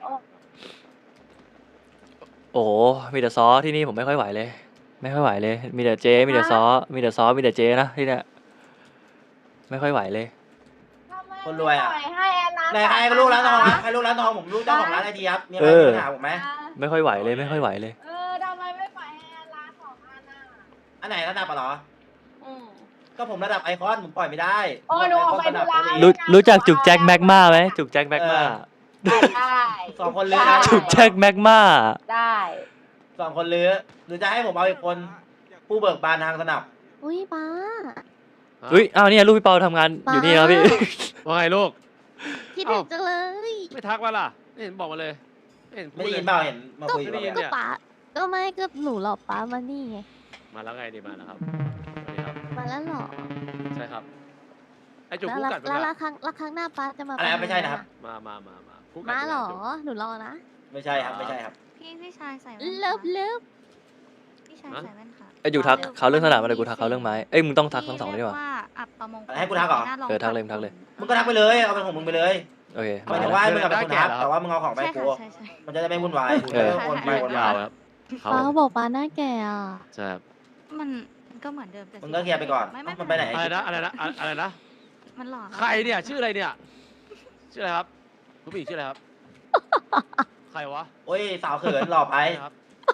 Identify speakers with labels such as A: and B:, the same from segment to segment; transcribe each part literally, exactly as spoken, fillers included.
A: โอ้โหมีแต่ซอที่นี่ผมไม่ค่อยไหวเลยไม่ค่อยไหวเลยมีแต่เจมีแต่ซอมีแต่ซอมีแต่เจนะที่เนี่ยไม่ค่อยไหวเลย
B: คนรวยอ่ะให้แอนนาไหนใครลูกร้านทองใครลูกร้านทองผมลูกเจ้าของร้านไอทีครับมีใครมีปัญหาผมไหม
A: ไม่ค่อยไหวเลยไม่ค่อยไหวเลย
B: เออทำไมไม่ปล่อยให้แอนนาสองอันน่ะอันไหนระดับอ่ะเหรอก็ผมระดับไอคอนผมปล่อยไม่ได้โอ้หนูออกไปดูร้าน
A: รู้รู้จักจุกแจ็คแม็กมาไหมจุกแจ็คแม็กมา
B: ได้
A: สองคนเลยนะจุกแจ็คแม็กมา
B: ได้สองคนเลือหรือจะให้ผมเอาอีกคนผู้เบิกบานทางสนับ
C: อุ้ยป้า
A: อุ้ยอ้าวนี่ลูกพี่เปาทำงานอยู่นี่ครับพี่
D: ว่าไงลูก
C: คิดถึงจังเลย
D: ไม่ทักว่าล่ะไม่เห็นบอกมาเลย
B: ไม่เห็นไม่ได้ยินเปล่าเห็นมาคุยกัน
C: ก็ป้าก็ไม่ก็หนูหลอกป้ามานี่ไง
D: มาแล้วไงดีมาแล้วครับ
C: มาแล้วหรอ
D: ใช่ครับไอจุกคู่กัด
C: แล้วละครั้งละครั้งหน้าป้าจะมา
B: อะไรไม่ใช่นะครับ
D: มามามามา
C: มาหรอหนูรอนะ
B: ไม่ใช่ครับไม่ใช่ครับ
E: พี่พี่ชายใส่
C: เลิฟเลิฟ
E: พี่ชายใส่แว่นค่ะ
A: ไอ้อยู่ทักเขาเรื่องสนามอะไรกูทักเขาเรื่องไม้เอ้ยมึงต้องทักทั้งสองได้ป่ะ
E: ว่าอับประมง
B: ให้กูทักเหรอ
A: เออทักเลยทักเลย
B: มึงก็ทักไปเลยเอาเป็นของมึงไปเลย
A: โอเค
B: หมายถึงว่ามึงกับเป็นคนทักแต่ว่ามึงเอาของไปกูมันจะได้ไม่วุ่นวาย
A: เออ
B: วนไปวน
D: มา
B: า
D: ครับ
C: ป้าบอกป้าหน้าแก่อ่ะ
D: ใช่ครับ
E: มันก็เหมือนเดิมแต่
B: มึงก็เคลียร์ไปก่อนมันไปไหน
D: อะไรนะอะไรนะอะไรนะ
E: มันหล่อ
D: ใครเนี่ยชื่ออะไรเนี่ยชื่ออะไรครับคุณผู้หญิงชื่ออะไรครับใครวะ
B: โอ้ยสาวเขินหล่อไป
D: ครับ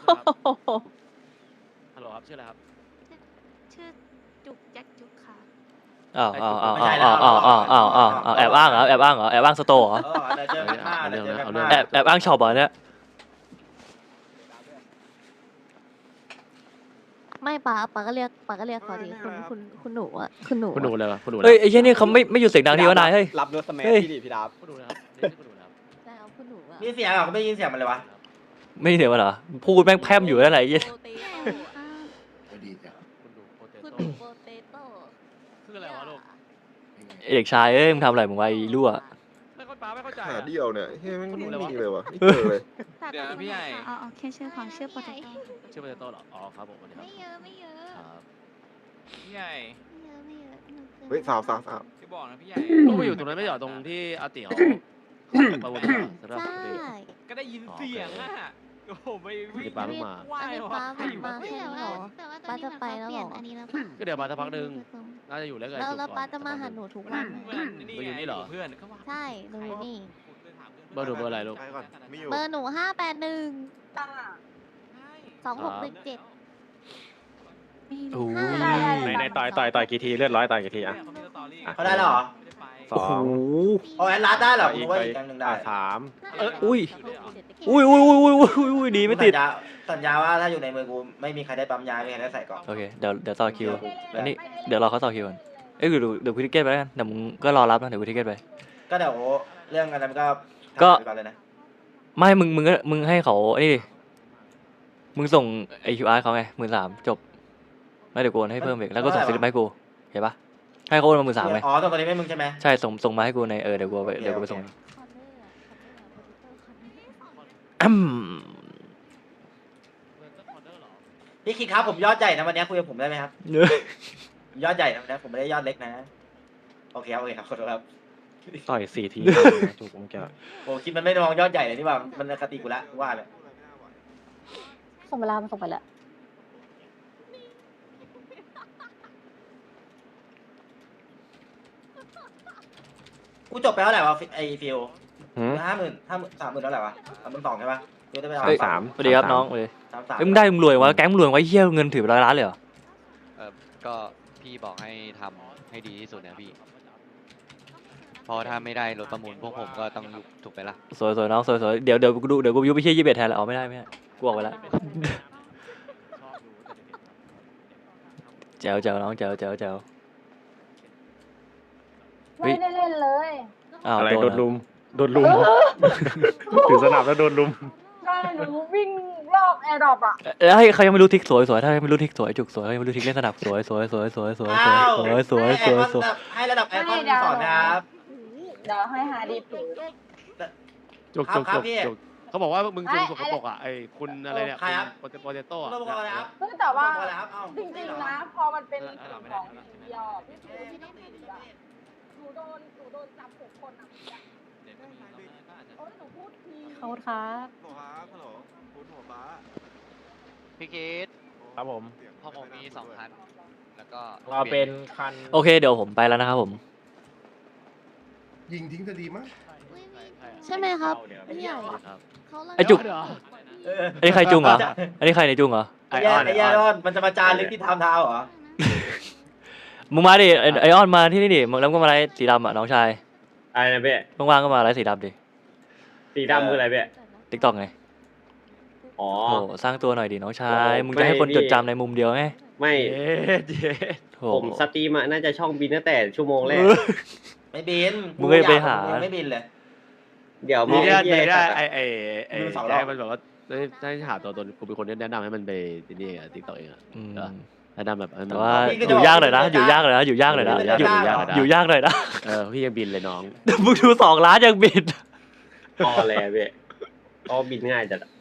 D: ฮัลโหลครับชื่ออะไรครับ
E: ชื่อจุกแจ็คจุกค่ะ
A: อ้าวอ้าวอ้าวอ้าวอ้าวอ้าวอ้าวอ้าวอ้าวแอบอ้างเหรอแอบอ้างเหรอแอบอ้างสโตร์เหรอแอบแอบอ้างช็อปเหรอเนี่ย
C: ไม่ป้าป้าก็เรียกป้าก็เรียกเขาดิคุณคุณคุณหนูอ่ะคุณหนู
D: คุณหนูเลยวะคุณหนู
A: เฮ้ยไอ้เหี้ยนี่เขาไม่ไม่หยุดเสียงดังทีวะนายเฮ้ย
F: รับรถสมัยพี่ดิพี่ดาบ
D: คุณหนูนะครับนี่คุณหนูนะครับ
C: ได้เอาคุณหนูอ่ะ
B: มีเสียงเหรอเขาไม่ยินเสียงมันเลยวะ
A: ไม่เสียงมันเหรอพูดแม่งแพร่มอยู่นั่นแหละไอ้เหี้ย
C: คุณหนูโปเตโต้
D: คืออะไรวะลูก
A: เด็กชายเอ้ยมึงทำอะไรมึงไว้รั่ว
D: ไม่เข้าใจไม่เข้าใจ
F: หาเดียวเนี่ยเฮ้ยไม่มีเลยวะไม่เจอเลย
E: เดี๋ยวพี่ใหญ่อ๋อแค่ชื่อของชื่อโปเตโต้
D: ชื่อโปเตโต้เหรออ๋อครับผม
E: ไม่เยอะไม่เยอะ
D: ครับ
E: พี่ใหญ่ไม่เยอะไม่เยอะ
F: เฮ้ยสาวสาวสาว
E: พี่บอกนะพี่ใหญ่
D: ต้องไปอยู่ตรงนั้นไม่หรอตรงที่อาติเขาประวน
C: ใช่
E: ก็ได้ยินเสียงอ่ะโอ้โหไปวิ่ง
D: ปาลูกมา
C: อันนี้ป้ามาแค่นี้หรอป้าจะไปแล้วหรอ
D: ก็เดี๋ยวมาสักพักหนึ่งน่าจะอยู่แล้วกัน
C: แล้วป้าจะมาหาหนูทุกวัน
D: ไปอยู่นี่เหรอ
E: เพื่อน
C: ใช่หนูอยู่นี่
D: เบอร์หนูเบอร์อะไรลูก
C: เบอร์หนูห้าแปดหนึ่งสองหกหนึ่งเจ็ด
F: ในในต่อยต่อยต่อยกี่ทีเลือดร้อยต่อยกี่ทีอ่ะ
B: เขาได้หรอ
F: สอง
B: เอาแอนลาได้หรอคุณว่าอีกอย่างหนึ่งได้
F: สาม
A: เอออุ้ยอุ้ยอุ้ยอุ้ยอุ้ยอุ้ยอุ้ยดีไม่ติด
B: สัญญาว่าถ้าอยู่ในมือกูไม่มีใครได้ปั๊มยาไม่มีใครได้ใส่ก่อน
A: โอเคเดี๋ยวเดี๋ยวต่อคิวอันนี้เดี๋ยวรอเขาต่อคิวก่อนเอ้ยเดี๋ยวเดี๋ยวคุยทิเก็ตไปแล้วกันเดี๋ยวมึงก็รอรับนะเดี๋ยวคุยทิเก็ตไป
B: ก็เดี๋ยวเรื่องอะไรก็
A: ก็ไม่มึงมึงก็มึงให้เขาไอ้นี่มึงส่งไอคิวอาร์เขาไงหมื่นสามจบไม่เดี๋ยวกูให้เพิ่มอีกแล้วก็ส่งสลิปมาให้กูเห็นปะให้เขาโอนมาหมื่นสามไหม
B: อ๋อตอนนี้ไม่มึงใช่ไหม
A: ใช่ส่งส่งมาให้กูในเออเดี๋ยวกูไปเดี๋ยวกูไปส่ง
B: พี่คิดครับผมยอดใหญ่นะวันนี้คุยกับผมได้ไหมครับยอดใหญ่นะวันนี้ผมไม่ได้ยอดเล็กนะโอเคครับโอเคครับขอโทษครับ
F: ต่อยสี่ทีจุกผมแก
B: โอ้คิดมันไม่มองยอดใหญ่เลยนี่ว่ามันคติกูละว่าเลย
C: ส่งเวลามันส่งไปแล้ว
B: กูจบไปเท่าไหร่วะไอฟิวห้าหมื่นห้าหมื่นสามหมื่นเท่าไหร่วะสามหมื่นสองใช่ปะฟิวได้ไป
F: สาม
A: สวัสดีครับน้องเลยสามสามมึงได้มึงรวยวะแก๊งมึงรวยวะเฮี้ยเงินถือร้อยล้านเลยเหรอ
G: เออก็พี่บอกให้ทำให้ดีที่สุดนะพี่พอถ้าไม่ได้รถประมูลพวกผมก็ต้องยุบถูกไปละ
A: สวยสวยน้องสวยสวยเดี๋ยวเดี๋ยวกูดูเดี๋ยวกูยุบไปเชี่ยยี่สิบเอ็ดแทนแล้วเอาไม่ได้ไม่ได้กูออกไปแล้วแจ๋วแจ๋วน้องแจ๋วแจ๋วแจ๋ว
B: ไม่ได้เล่นเลย
F: อะไรโดนลุมโดนลุมถือสนับแล้วโดนลุม
B: ใช่หนูวิ่งรอบแอร์ดรอปอ่ะ
A: แล้วให้เขายังไม่รู้ทิกสวยสวยถ้าไม่รู้ทิกสวยจุกสวยไม่รู้ทิกเล่นสนับสวยสวยสวยสวยสวยสวยสวยสวยสวยสวย
B: ให้ระดับแอร์คอนสอนนะครับเดี๋ยวให้หาดีถูก
D: จุกจุกจุกจุกเขาบอกว่ามึงจุกสกปรกอ่ะไอ้คุณอะไรเนี่ยโปเตโต้อ่ะ
B: แต่ว่าจริงๆนะพอมันเป็นของเดียวพี่จูที่ต้องติดอ่ะหนูโดนหนูโดนจับหกคนอ่ะโอ้ยหนูพูดที
C: ขอบคุณครับ
G: พี่คิด
F: ครับผม
G: พอผมมีสองคันแล้วก็
F: เราเป็นคัน
A: โอเคเดี๋ยวผมไปแล้วนะครับผม
H: ยิงทิ้งจะดีมั้ง
C: ใช่ไหมครับ
F: เดี๋ยว
C: พี่ใหญ่
F: ครับ
C: เขาเลย
A: ไอ้จุก
D: เหรอ
B: เออ
A: อันนี้ใครจุงเหรออันนี้ใครในจุงเหรอ
B: ไอ้แย่ไอ้แย่รอนมันจะมาจารึกที่ทำเท้าเหรอ
A: มึงมาดิไอ้ไอออนมาที่นี่ดิมึงแล้วก็มาไล่สีดำอ่ะน้องชาย
F: อะไรนะเบ้
A: ว่างๆก็มาไล่สีดำดิ
F: สีดำคืออะไรเบ้
A: ติ๊กต็อกไง
F: อ๋อ
A: โอ้สร้างตัวหน่อยดิน้องชาย
F: โอ้
A: มึงจะให้คน
F: ไม่
A: จ
F: ดิ
A: ดจำในมุมเดียวไง
F: ไม่
D: เย้เย้
A: โถ
F: ผมสตรีมอะน่าจะช่องบินตั้งแต่ชั่วโมงแรก
B: ไม่บิน
A: มึงก็ไปหา
B: ยังไม่บินเลย
F: เดี๋ยว
D: มี
F: มี
D: ได้
F: เหี้
D: มี
F: ย
D: ได้
F: จัด
D: ไอ
F: อะ
D: ไอไอ
B: ดูสองรอบ
D: ให้มันแบบว่าได้ได้หาตัวตนกูเป็นคนแนะนำให้มันไปนี่อ่ะติ๊กต็อกเองอ่ะ
A: อืม
D: เหรอ แนะนำแบบให้มัน
A: แต่ว่า
B: พี่ก็
A: อ
B: จะ
A: ยู่
B: บอก
A: ยากหน่อยนะ
B: พี่
A: อยู่
B: จะ
A: ยากหน่อยนะอยู่ยากหน่อยนะ
B: พี่
A: อ
B: จะ
A: ยู่
B: จ้าง
A: อยู่ยากหน่อยนะ
D: เออพี่ยังบินเลยน้อง
A: มึงดูสองล้านยังบิด
F: พอแล้วเบ้ก็บินง่ายจัดอะ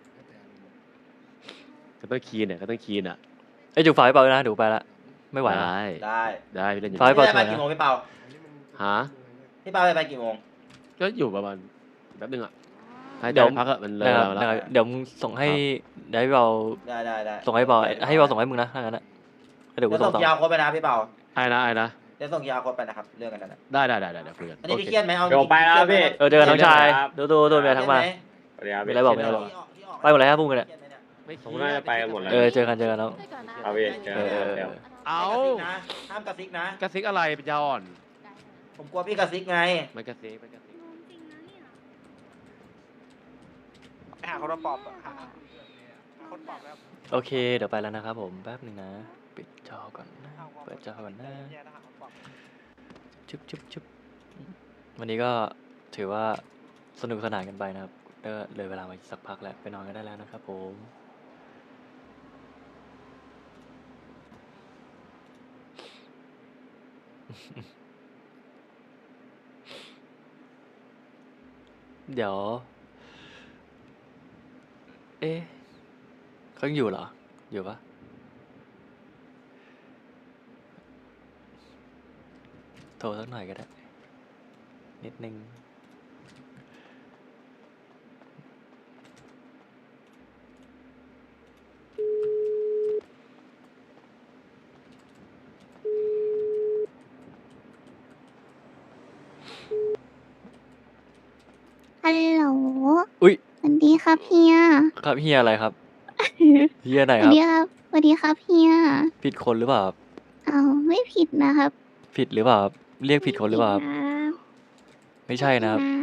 D: ก็ต้องคีนเนี่ยก็ต้องคีนอ่ะ
A: ไอ้จุกฝากไว้เปล่าด้วยนะเดี๋ยวไปละไม่ไหวละ
D: ได้
B: ได้
D: ได้พี่เล่นอยู่
A: ไฟ
B: พี่
A: เปล่า
B: ไปกี่โมงพี่เปา
D: ฮะ
B: พี่เปาไปไปกี่โมง
D: ก็อยู่ประมาณแป๊บนึงอ่ะให้
A: เดี๋ยว
D: ได้พักอะมันเลย
A: นะครับ
D: เวลา
A: นะค
D: แล้
A: รับ
D: ว
A: เดี๋ยวมึงส่งให้เดี๋ยวให้เบา
B: ได้ได้ได้
A: ส่งให้เบาให้เบาส่งให้มึงนะถ้างั้นนะเดี๋ยวกู
B: เดี๋ยว
A: ส่
B: ส่
A: ง
B: ง
A: ต่อ
B: ยาโค้ดไปนะพี่เปา
D: ไอ้นะไอ้นะ
B: เดี๋ยวส่งยาโค้ดไปนะครับเรื่องกันนะ
D: ได้ได้ได้ได้เดี๋ยวคุยกัน
B: อันนี้
D: โอ
B: พี่
D: เค
B: เครียดไหมเอา
F: เดี๋ยวไปแล้วพี่
A: เออเจอกันน้องชาย
F: ครับ
A: ดูดูดูเมียทั้งมา
F: สวัสดีครับ
A: มีอะไรบอกไหม
B: เครียด
A: บอก
B: ที่ออกที่ออก
A: ไปหมดเลยครับพวกมึงเนี่ย
D: ไม่เค
F: ผม
D: รียด
F: น่าจะไปกันหมดแล้ว
A: เออเจอกันเจอกันน้อง
C: ไปก่อนนะ
F: เอาพี่เจอ
A: เออ
F: กัน
A: เออ
F: เดี๋ยว
D: เอา
B: ห้ามกระซิกนะ
D: กระซิกอะไรเป็นยาอ่อน
B: ผมกลัวพี่กระซิกไง
D: มันกระซิกมันกระซิก
E: ไปหาคนมาปอบอะหาคนปอบแล้ว
A: โอเคเดี๋ยวไปแล้วนะครับผมแป๊บหนึ่งนะปิดจอก่อนนะเปิดจอก่อนนะ
E: แย่ทหารคนปอบ
A: ชุบชุบชุบวันนี้ก็ถือว่าสนุกสนานกันไปนะครับก็เลยเวลามาสักพักแล้วไปนอนกันได้แล้วนะครับผมเดี๋ยว เอ๊ะเขายังอยู่เหรอ อยู่ปะโทรสักหน่อยก็ได้ นิดนึง
C: ฮัลโหล
A: อุ๊ย
C: สวัสดีครับเฮีย
A: ครับเฮียอะไรครับ เฮียไหน
C: สวั
A: ครับ
C: สดีครับสวัสดีครับเฮีย
A: ผิดคนหรือเปล่าครับ
C: เอาไม่ผิดนะครับ
A: ผิดหรือเปล่าครับเรียกผิดคนหรือเปล่าครับ
C: ผิดนะ
A: ไม่ใช่นะครับ
C: นะ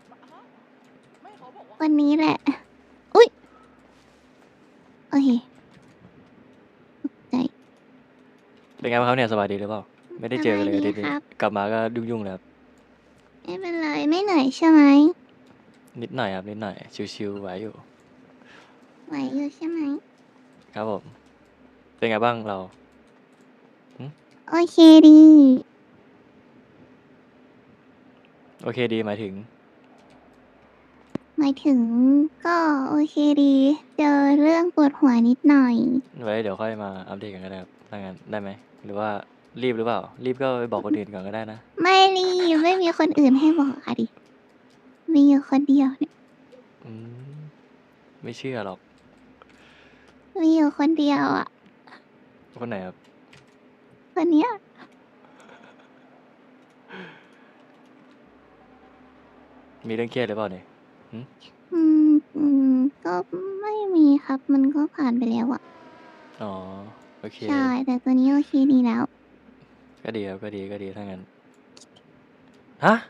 C: วันนี้แหละ อุ้ยโอเคตกใจ
A: เป็นไงบ้างครับเนี่ยสบายดีหรือเปล่า ไม่ได้เจอกันเลยอาทิตย์นี้
C: สบายดีครับ
A: กลับมาก็ยุ่งๆเลยครับ
C: ไม่เป็นไรไม่เหนื่อยใช่ไหม
A: นิดหน่อยครับนิดหน่อยชิวๆไหวอยู่
C: ไหวอยู่ใช่ไหม
A: ครับผม เป็นไงบ้างเรา
C: โอเคดี
A: โอเคดีหมายถึง
C: หมายถึงก็โอเคดี เจอเรื่องปวดหัวนิดหน่อย
A: ไว้เดี๋ยวค่อยมาอัปเดตกันก็ได้ครับถ้างั้นได้ไหมหรือว่ารีบหรือเปล่า รีบก็ไปบอกคนอื่นก่อนก็ได้นะ
C: ไม่รีบไม่มีคนอื่นให้บอกอะดิ มีอยู่คนเดียวเนี่ย
A: อืมไม่เชื่อหรอก
C: มีอยู่คนเดียวอ่ะ
A: คนไหนครับ
C: คนเนี้ย
A: มีเรื่องเครียดหรือเปล่าเนี่ย
C: อืมอืมก็ไม่มีครับ มันก็ผ่านไปแล้วอ่ะ
A: อ๋อโอเค
C: ใช่ แต่ตัวนี้โอเคดีแล้ว
A: ก็ดีครับก็ดีก็ดีถ้างั้นฮะ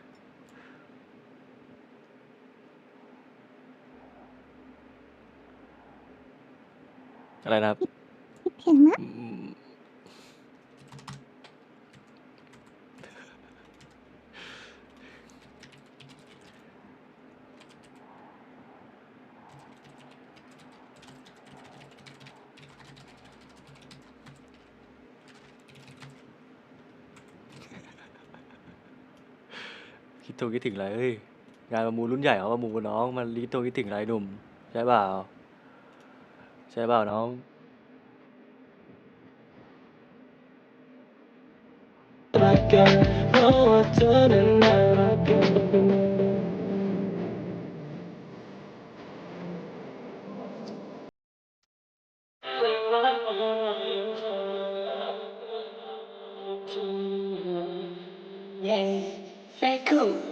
A: อะไรนะครับ
C: คิดถึงนะ
A: อืมคิดตัวคิดถึงอะไรเอ้ยงานประมูลรุ่นใหญ่เขาประมูลกับน้องมันคิดตัวคิดถึงอะไรหนุ่มใช่เปล่าใช่เปล่าน้อง
I: รักกันเพราะว่าเธอนั้นน่ารักกัน yeah. Very cool.